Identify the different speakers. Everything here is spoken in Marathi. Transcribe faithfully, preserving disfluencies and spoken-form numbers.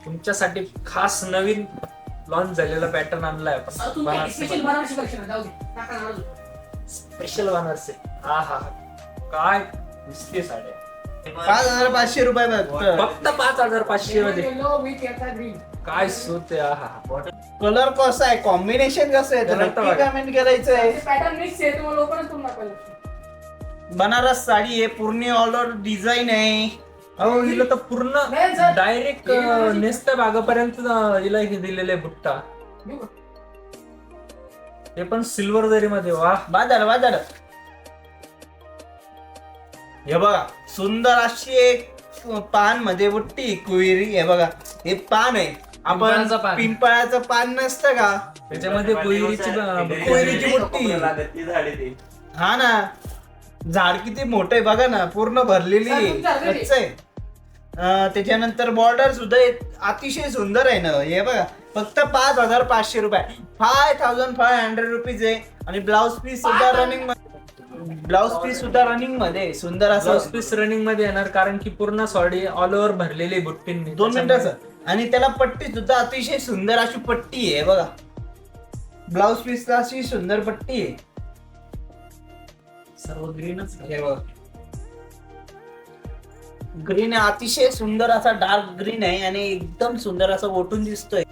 Speaker 1: तुमच्यासाठी खास नवीन लॉन्च झालेला पॅटर्न आणलाय आपण स्पेशल बनारसी. हा हा काय दिसते साड्या.
Speaker 2: पाच हजार पाचशे रुपये फक्त.
Speaker 1: फक्त पाच हजार पाचशे मध्ये काय सूत आहे. हा हा
Speaker 2: कलर कसा आहे, कॉम्बिनेशन कसं आहे, तर नक्की कमेंट करायचं आहे.
Speaker 3: पॅटर्न मिक्स आहे तुम्हाला लवकरच तुम्हाला कळेल.
Speaker 2: बनारस साडी आहे, पूर्ण ऑल ओव्हर डिझाईन आहे.
Speaker 1: अहो हिला तर पूर्ण डायरेक्ट नेसत्या भागापर्यंत हिला हे दिलेले बुट्टा, ते पण सिल्वर जरी मध्ये. वा
Speaker 2: बाजार बाजार हे बघा, सुंदर अशी एक पान मध्ये बुट्टी कुवेरी. हे बघा, हे पान आहे. आपण
Speaker 1: पिंपळाचं पान.
Speaker 2: पिंपळाचं पान नसतं का,
Speaker 1: त्याच्यामध्ये कोयरीची
Speaker 2: कोयरीची बुट्टी. हा ना, झाड किती मोठं आहे बघा ना, पूर्ण भरलेली आहे, कच्चं आहे. अं, त्याच्यानंतर बॉर्डर सुद्धा अतिशय सुंदर आहे ना. हे बघा, फक्त पाच हजार पाचशे रुपये, five thousand five hundred rupees आहे. आणि ब्लाउज पीस सुद्धा रनिंग ब्लाउज पीस सुद्धा रनिंग मध्ये सुंदर असं
Speaker 1: ब्लाउज पीस रनिंग मध्ये येणार, कारण की पूर्ण सॉडी ऑल ओव्हर भरलेली बुट्टींनी.
Speaker 2: दोन मिनिटाचं. आणि त्याला पट्टी सुद्धा अतिशय सुंदर अशी पट्टी आहे बघा. ब्लाउज पीस अशी सुंदर पट्टी आहे.
Speaker 1: सर्व ग्रीनच.
Speaker 2: हे बघा, ग्रीन आहे, अतिशय सुंदर असा डार्क ग्रीन आहे आणि एकदम सुंदर असं ओटून दिसतोय.